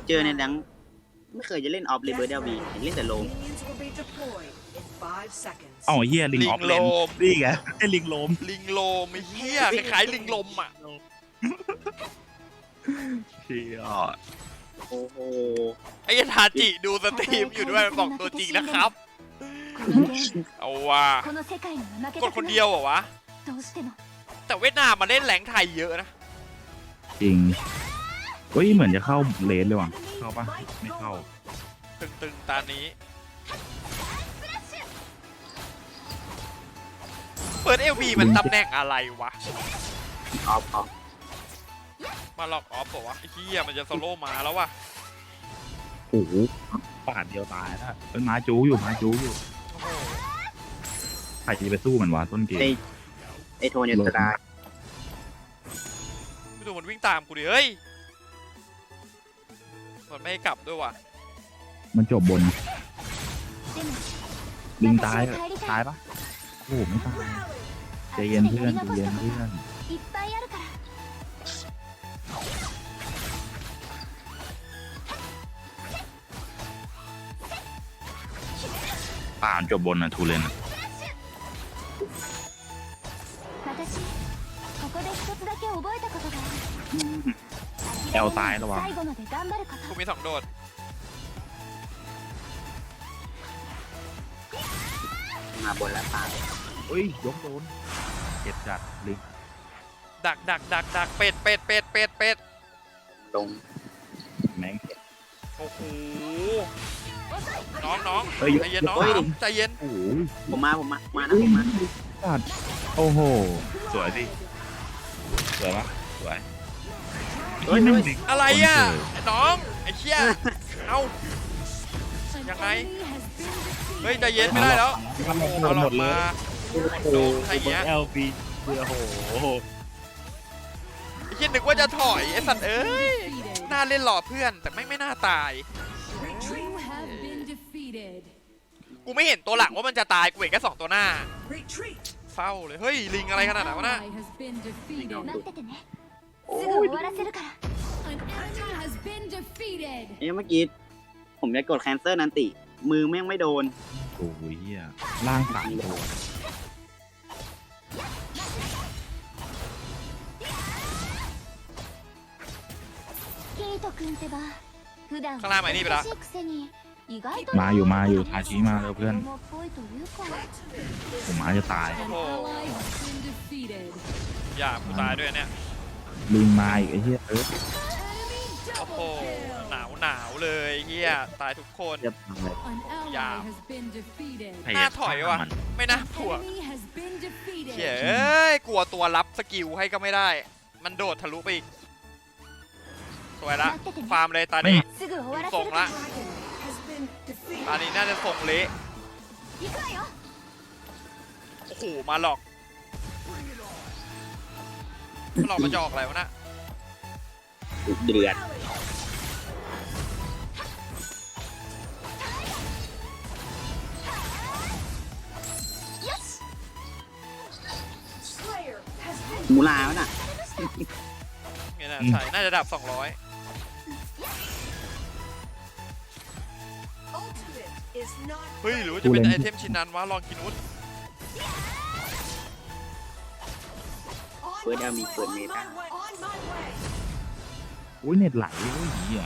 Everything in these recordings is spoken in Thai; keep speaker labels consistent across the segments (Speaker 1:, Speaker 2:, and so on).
Speaker 1: เจอในดังไม่เคยจะเล่นออฟเลยเบอร์เดลบีเล่นแต่โลม
Speaker 2: เอ้าเฮียลิงออฟเลนนี่ไงไอ้ลิงโลม
Speaker 3: ลิงโลมไอ้เหี้ยคล้ายๆลิงลมอ่ะ
Speaker 2: เชี่ย
Speaker 1: โอ้โห
Speaker 3: ไอ้ทาจิดูสตรีมอยู่ด้วยบอกตัวจริงนะครับ เอาว่ะกดคนเดียวเหรอวะแต่เวียดนามมาเล่นแหลงไทยเยอะนะ
Speaker 2: จริงเฮ้ยเหมือนจะเข้าเลนเลยว่ะเข้าปะไม่เข้า
Speaker 3: ตึงๆตานี้เปิดเอลบีมันตำแหน่งอะไรวะ
Speaker 1: ออฟออฟ
Speaker 3: มาล็อกออฟบอกว่าไอ้เหี้ยมันจะโซโล่มาแล้ววะ
Speaker 2: โอ้โหปาดเดียวตายแล้วเป็นม้าจูอยู่ม้าจูอยู่
Speaker 3: โอ้โห
Speaker 2: ใครจะไปสู้มันวะต้นเกม
Speaker 1: ไอโทนยูตาย
Speaker 3: ไม่ดูมันวิ่งตามกูดิเฮ้ยมันไม่ให้กลับด้วยว่ะ
Speaker 2: มันจบบนลิงตายอะตายปะโอ้โหไม่ตายใจเย็นเพื่อนใจเย็นเพื่อนป่านจบบนนะทูเลนอะแอลตายระวัง
Speaker 3: กูมี2 โดด
Speaker 1: มาบนแล้วตาย
Speaker 2: เฮ้ยยกโดนเจ็บจัดลิง
Speaker 3: ดักเป็ด
Speaker 1: ลง
Speaker 2: แม่งเจ็บ
Speaker 3: โอ้โหน้อง
Speaker 2: เฮ้ย
Speaker 3: ใจเย็นน้องใจเย็น
Speaker 2: โอ้โห
Speaker 1: ผมมานะผมมา
Speaker 2: จัดโอ้โหสวยสิสวยปะสวย
Speaker 1: เฮ้ย
Speaker 2: นี่แม่งดิ
Speaker 3: อะไรอ่ะไอ้น้องไอ้เชี่ยเอ้ายังไงเฮ้ยใจเย็นไม่ได้แล้ว
Speaker 2: หมดหมดเลย
Speaker 3: โดนใครเงี้ย
Speaker 2: เอลบีเบื่อโห
Speaker 3: ไอ้เชี่ยนึกว่าจะถอยไอ้สัตว์เอ้ยน่าเล่นหล่อเพื่อนแต่ไม่น่าตายกูไม่เห็นตัวหลังว่ามันจะตายกูเห็นแค่2 ตัวหน้าเศร้าเลยเฮ้ยลิงอะไรขนาดนั้นวะน่ะ
Speaker 1: เมื่อกี้ผมจะกดแคนเซิลนันติ มือแม่งไม่โดน
Speaker 2: โอ้ยเหี้ยล่างสามตัว
Speaker 3: ข้างล่างไหมนี่ไปละ
Speaker 2: มาอยู่ทาชิมาแล้วเพื่อนผมมาจะตาย
Speaker 3: โอ้โหอย่ากูตายด้วยเนี่ย
Speaker 2: ลิงมาอีกไอ้เหี้ย
Speaker 3: โอ้โหหนาวเลยเฮียตายทุกคน
Speaker 1: จะทำอะไร
Speaker 3: น่าถอยว่ะไม่น่าถ่วงเฮ้ยกลัวตัวรับสกิลให้ก็ไม่ได้ มันโดดทะลุไปอีกสวยละฟาร์มเลยตอนนี้ส่งละตอนนี้น่าจะส่งเละโอ้โหมาหลอกมาจะออกอะไรวะน่ะ
Speaker 1: เดือดมูลาวะน่ะ
Speaker 3: เนี่ยนะใช่น่าจะดับ200เฮ้ยหรือว่าจะเป็นไอเทมชิ้นนั้นวะลองกินนุช
Speaker 1: เปิดเดลมีเปิดเมตา
Speaker 2: อุ้ยเน็ตไหลโอ้ยเหี้ย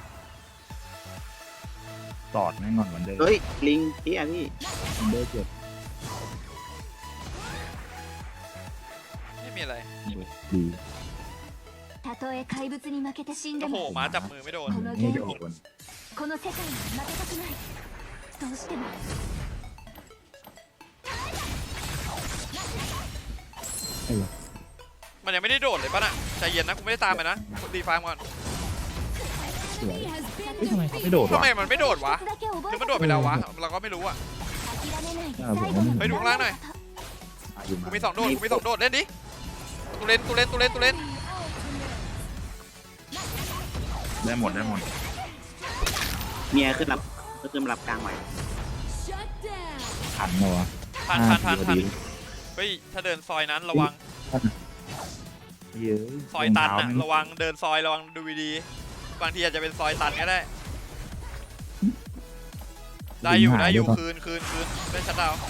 Speaker 2: ตอดแม่งก่อนวันเดิม
Speaker 1: เฮ้ยลิงพี่อะพี่
Speaker 2: วันเดิมเจ็บ
Speaker 3: ไม่มีอะไร
Speaker 2: ดี
Speaker 3: โอ้โหม้าจับมือไม่โดน
Speaker 2: ไม่โดนไอ้วะ
Speaker 3: มันยังไม่ได้โดดเลยป่ะน่ะใจเย็นนะกูไม่ได้ตามไปนะตีฟาร์มก่อน
Speaker 2: สวยเฮ้ยทำไมเขาไม่โดด
Speaker 3: ทำ
Speaker 2: วะ
Speaker 3: ไมมันไม่โดดวะหรือมันโดดไปแล้ววะเราก็ไม่รู้อ่ะ
Speaker 2: ผมว่ามัน
Speaker 3: ไปดูข้างล่างหน่อย
Speaker 2: อยู่
Speaker 3: กู
Speaker 2: มา
Speaker 3: มี2 โดดกูมี2 โดดเล่นดิตูเล่น
Speaker 2: ได้หมด
Speaker 1: เมียขึ้นรับกลางไหว
Speaker 2: ทันเหรอวะ
Speaker 3: พัน
Speaker 2: พอดี
Speaker 3: เฮ้ยถ้าเดินซอยนั้นระวัง
Speaker 2: เยอะ
Speaker 3: ซอยตันอะระวังเดินซอยระวังดูดีบางทีอาจจะเป็นซอยตันก็ได้ได้อยู่ได้อยู่คืนได้ชัดดาวน์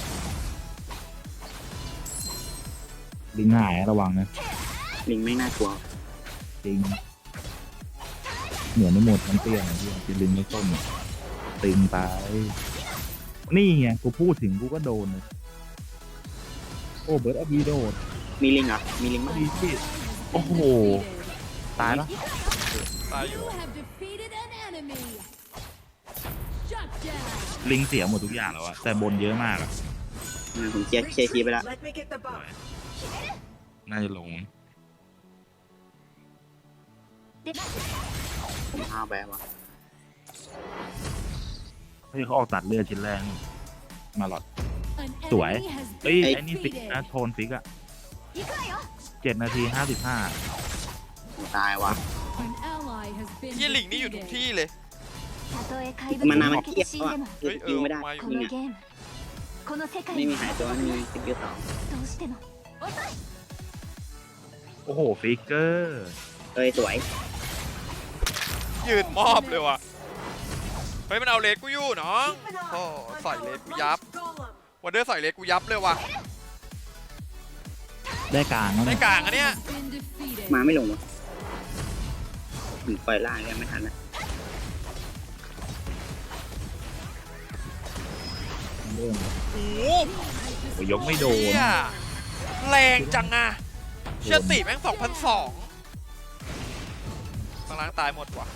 Speaker 2: ลิงหายระวังนะ
Speaker 1: ลิงไม่น่ากลัว
Speaker 2: จริงเหมือนไม่หมดมันเตี้ยนะพี่กินลิงไม่ส้มอะตึงไปนี่ไงกูพูดถึงกูก็โดนเลยโอ้เบิร์ดอบีโดด
Speaker 1: มีลิงเหรอมีลิงมั้ย
Speaker 2: ดีที่โอ้โหตายปะ
Speaker 3: ตายอยู่
Speaker 2: ลิงเสียหมดทุกอย่างแล้วอะแต่บนเยอะมากอะ
Speaker 1: ผมเคลียร์คีย์ไปแล้ว
Speaker 4: Let me get the buff.
Speaker 2: น่าจะลง
Speaker 1: ผมห้าวไปว่ะ
Speaker 2: เฮ้ยเขาออกตัดเลือดชิ้นแรกนี่มาหลอดสวยเอ้ยไอ้นี่ฟิกนะโทนฟิกอะ7 นาที 55
Speaker 1: ผมตายว่ะ
Speaker 3: ที่หลิงนี่อยู่ทุกที่เลย
Speaker 1: มันนานมันเครียดแล้วอ่ะคือ
Speaker 3: เฮ้ย
Speaker 1: สกิลไม่ได้
Speaker 3: มาอยู่
Speaker 1: ยิงอ่ะไม่มีหายตัวมีสกิลสอง
Speaker 2: โอ้โหฟิกเกอร์
Speaker 1: เอ้ยสวย
Speaker 3: ยืนมอบเลยว่ะเฮ้ยมันเอาเลสกูอยู่น้องโอ้ใส่เลสกูยับ
Speaker 4: Golem.
Speaker 3: วันเดอร์ใส่เลสกูยับเลยว่ะ
Speaker 2: ได้กลางแล้ว
Speaker 3: ได้
Speaker 2: เนี่ย
Speaker 3: กลางอันเนี้ย
Speaker 1: มาไม่ลงวะถึงปล่อยล่างยังไม่ทันอ่ะ
Speaker 2: เรื่อง
Speaker 3: โอ้โห
Speaker 2: โอ้ยกไม่โดน
Speaker 3: เหี้ยแรงจังอะเชื่อติแม่ง2,002ข้างล่างตายหมดว่ะ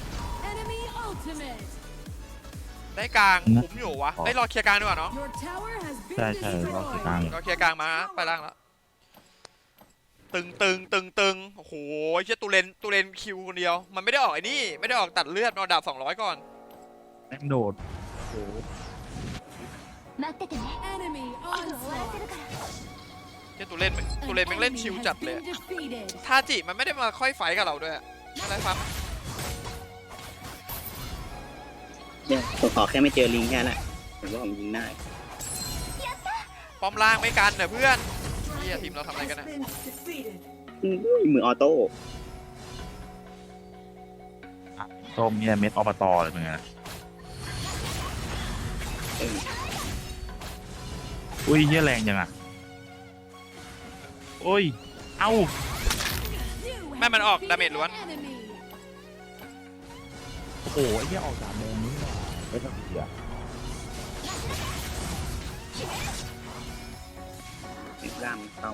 Speaker 3: ได้กลางคุ้มอยู่วะได้รอเคลียร์กลางดีกว่าเนาะ
Speaker 2: ใช่ใช่รอบกลาง
Speaker 3: รอเคลียร์กลางมาไปล่างแล้วตึงโอ้โหเชี่ยตูเลนคิวคนเดียวมันไม่ได้ออกไอ้นี่ไม่ได้ออกตัดเลือดมันเอาดาบ200ก่อน
Speaker 2: แม่งโดดโอ้โห
Speaker 3: เชี่ยตูเลนแม่งเล่นชิวจัดเลยทาจิมันไม่ได้มาค่อยไฟกับเราด้วยอะไรฟัง
Speaker 1: เดี๋ยวผมขอแค่ไม่เจอลิงแค่นั้นแหละผมว่าผมยิงได้
Speaker 3: ป้อมล่างไม่กันเนอะเพื่อนเฮียทีมเราทำอะไรกัน
Speaker 4: Has
Speaker 3: นะ
Speaker 4: been defeated.
Speaker 1: มือออโต้
Speaker 2: ส้มเนี่ยเม็ดอบตเลยมึงอะ
Speaker 1: เออ
Speaker 2: อุ้ยเหี้ยแรงจังอะโอ้ยเอ้า
Speaker 3: แม่มันออกดาเมจล้วน
Speaker 2: โอ้โหไอ้เหี้ยออกสามแดงนี่หว่าไม่ต้องเสีย
Speaker 1: ล่างเข้า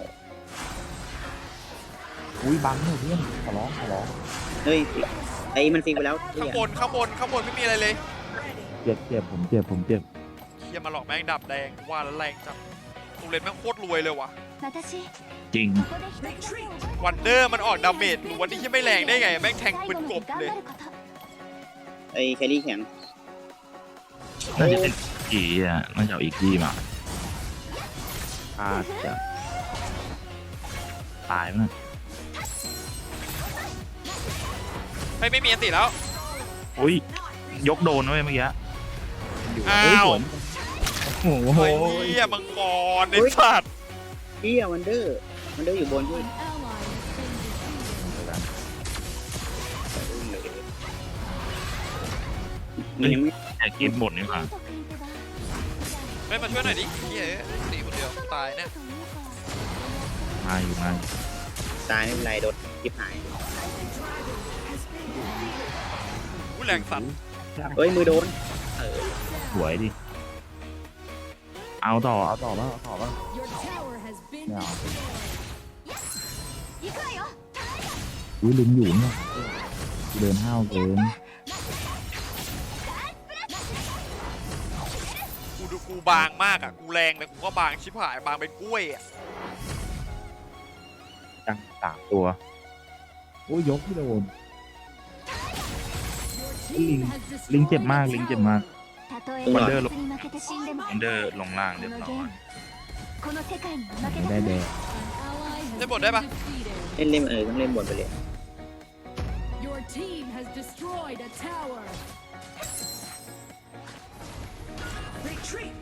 Speaker 2: อุ้ยบังเนี่ยเพื่อนขอร้อง
Speaker 1: เฮ้ยไอ้มันฟิกไปแล้ว
Speaker 3: ข้างบนไม่มีอะไรเลย
Speaker 2: เจ็บผมเจ็บ
Speaker 3: เฮียมาหลอกแม่งดับแดงว่าแล้วแรงจังตูเลนแม่งโคตรรวยเลยว่ะ
Speaker 2: จริง
Speaker 3: วันเดอร์มันออกดาเมจหรือวันนี้ที่ไม่แรงได้ไงแม่งแทงปืนกบเลย
Speaker 1: ไอ้แครี่แข็ง
Speaker 2: น่าจะเป็นอีอ่ะน่าจะเอาอีกที่มาพลาดจะตายมั้ย
Speaker 3: ไม่มีอันติแล้ว
Speaker 2: อุ้ยยกโดนไว้เมื่อกี้
Speaker 3: อ้า
Speaker 2: เฮ้ยว สวนโอ้โห
Speaker 3: เฮียมังกรไอ้สัตว์
Speaker 1: เฮียวันเดอร์อยู่บนด้วยมันยังไม่
Speaker 2: แต่กินหมดนี่ค่ะ
Speaker 3: ไม่มาช่วยหน่อยดิเฮียตีคนเดียวตายเนี่ย
Speaker 2: มาอยู่
Speaker 1: ตายไม่เป็นไรโดนทิพหาย
Speaker 3: อู้แรงสัตว์
Speaker 1: เฮ้ยมือโดน
Speaker 2: สวยดิเอาต่อป่ะไม่เอาอุ้ยลิงอยู่เนี่ยเดินห้าวเกิน
Speaker 3: กูบางมากอ่ะกูแรงแต่กูก็บางชิบหายบางเป็นกล้วยอ่ะ
Speaker 2: จัง3 ตัวโอ้ยยกไม่โดนลิงเจ็บมากวันเดอร์ลงล่างเรียบร้อยไม่ได้แดง
Speaker 3: ได้บทได้ปะ
Speaker 1: เล่นต้องเล่นบนไปเลย
Speaker 4: Retreat.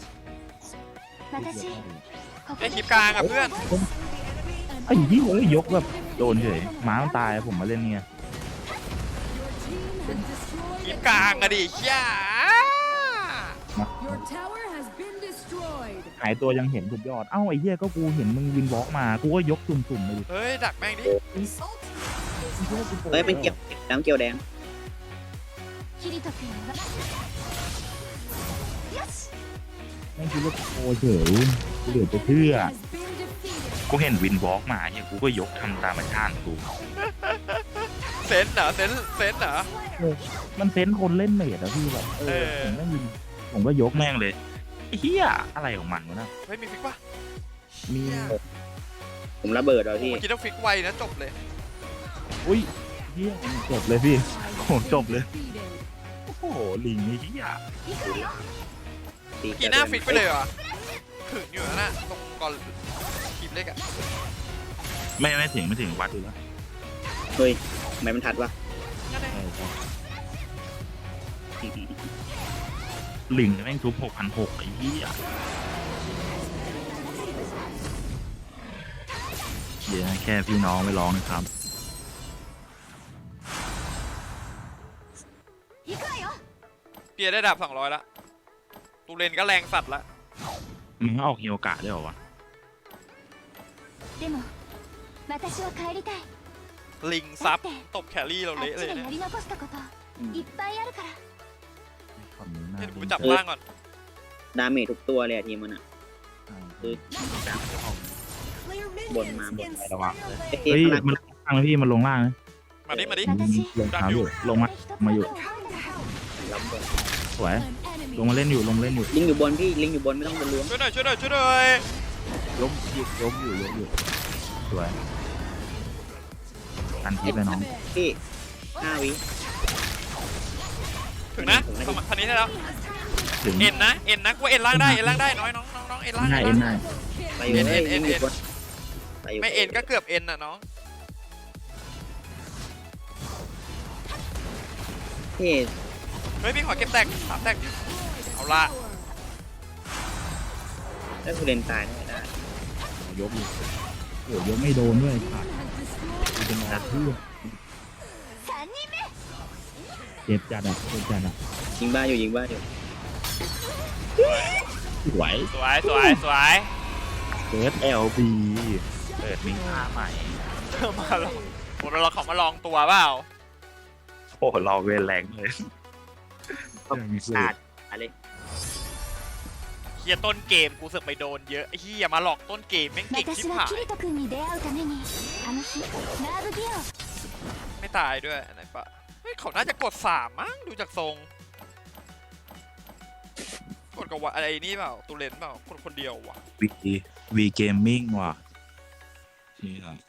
Speaker 3: ได้คลิปกลางอ่ะเพื่อน
Speaker 2: ไอ้ยี่ยกแบบโดนเฉยม้ามันตายผมมาเล่นเนี่ย
Speaker 3: คีบกลางอะดิเชี่ย
Speaker 5: Your tower has been destroyed.
Speaker 2: หายตัวยังเห็นสุดยอดเอ้าไอ้เหี้ยก็กูเห็นมึงวินวอล์กมากูก็ยกตุ่มๆไปดิ
Speaker 3: เฮ้ยดักแม่งดิ
Speaker 1: เฮ้ยเป็นเกี่ยวน้ำเกี่ยวแดง
Speaker 6: キリト君はよし
Speaker 2: ไม่คิดว่าโอเฉยกูเหลือจะเชื่อ
Speaker 5: Has been defeated.
Speaker 2: กูเห็นวินวอล์กมาเนี่ยกูก็ยกทำตามธรรมชาติกู
Speaker 3: เซนเหรอเซนเหรอ
Speaker 2: มันเซนส์คนเล่นเมดอะพี่แบบ
Speaker 3: เออ
Speaker 2: ผมก็ยิงผมก็ยกแม่งเลยไอ้เหี้ยอะไรของมันวะนะ
Speaker 3: เฮ้ยมีฟิกปะ
Speaker 2: มี
Speaker 1: ผมระเบิดเอาพี่
Speaker 3: เมื่อกี้ต้องฟิกไวนะจบเลย
Speaker 2: อุ้ยเหี้ยจบเลยพี่
Speaker 5: Ally
Speaker 2: โอ้โหจบเลย
Speaker 5: defeated.
Speaker 2: โอ้โหลิงไอ้เหี้ย
Speaker 1: ตี
Speaker 3: กี่หน้าฟิกไปเลยเหรอถึงอยู่นะน่ะตรงก่อนคลิปเล็กอะ
Speaker 2: ไม่ถึงวัดดูแล้ว
Speaker 1: เฮ้ยทำไมมันทัดวะ
Speaker 3: นั่นเอง
Speaker 2: ลิงแม่งทุบ6,600ไอ้เหี้ยเดี๋ยวแค่พี่น้องไม่ร้องนะครับ
Speaker 6: 行くわよ
Speaker 3: เปียได้ดาบ200ละตูเลนก็แรงสัตว์ละ
Speaker 2: มึงออกเฮียโอกะได้เหรอวะ
Speaker 6: でも私は帰りたい
Speaker 3: ลิงซับตบแครี่เรา
Speaker 6: あっ
Speaker 3: เละ
Speaker 6: ち
Speaker 3: เลย
Speaker 6: で
Speaker 3: เนี่ย
Speaker 6: やり残したこといっぱいあるから
Speaker 2: ฝั่งนี้น่า
Speaker 3: เดี๋ยว
Speaker 2: จะ
Speaker 3: กูไปจับล่างก่อน
Speaker 1: ดาเมจทุกตัวเลยอะทีมมันอะคือ
Speaker 4: Clear
Speaker 1: Buồn
Speaker 4: minions
Speaker 1: mà, buồn
Speaker 4: in
Speaker 2: phải đâu ạ.
Speaker 4: Slayer
Speaker 1: เอ้
Speaker 4: Lane.
Speaker 2: เฮ้ย
Speaker 1: พลัง
Speaker 2: มันลงล่างไหมพี่มันลงล่างนะ
Speaker 3: มาดิ
Speaker 6: 私
Speaker 2: ลงเท้าอยู่ลงมาอยู่
Speaker 1: ล้ำบน
Speaker 2: สวย
Speaker 5: An enemy
Speaker 2: ลงมาเล่นอยู่ลงมาเล่นอยู่
Speaker 1: ลิงอยู่บนพี่ลิงอยู่บนไม่ต้องบนล้วง
Speaker 3: ช่วยหน่อยช่วยหน่อยช่วยหน่อย
Speaker 2: ยกอยู่สวยกันทิปเลยน้อง
Speaker 1: พี่5 วิ
Speaker 3: ถึงนะพันนี้ได้แล้ว
Speaker 2: ถึง
Speaker 3: เอ็นนะกูเอ็นล่างได้น้อยน้องเอ็นล่าง
Speaker 2: ง่าย
Speaker 3: ได้
Speaker 2: เอ็นง่าย
Speaker 1: ไปอยู่เลยลิงอยู่บนไปอยู่
Speaker 3: ไม่เอ็นก็เกือบเอ็นน่ะน้อง
Speaker 1: พี่
Speaker 3: เฮ้ยพี่ขอเก็บแตก3แตกเอาละ
Speaker 1: ถ้าคุณเล่นตายไม่ได้
Speaker 2: ยกอยู่โอ้ยกไม่โดนด้วยขาด
Speaker 5: has destroyed
Speaker 2: กูเป็นอาที่
Speaker 6: 3人目
Speaker 2: เจ็บจัดอ่ะ
Speaker 1: ยิงบ้าอยู่ยิงบ้าอยู่
Speaker 2: สวย
Speaker 3: สวย
Speaker 2: เกิด LB เปิดมีค่าใหม่
Speaker 3: มาลองเราขอมาลองตัวเปล่า
Speaker 2: โอ้รอเวรแรงเลย
Speaker 1: ขาดอะไร
Speaker 3: เฮียต้นเกมกูเสือกไปโดนเยอะไอ้เฮียมาหลอกต้นเกมแม่งเก่งชิบ
Speaker 6: 私は
Speaker 3: หาย
Speaker 6: キリト君に出会うためにあの日ナーブギアを
Speaker 3: ไม่ตายด้วยไหนปะเฮ้ยเขาน่าจะกด3มั้งดูจากทรงกดกับว่าอะไรนี่เปล่าตูเลนเปล่าคนเดียววะ
Speaker 2: วีเกมมิ่งว่ะนี่ครับ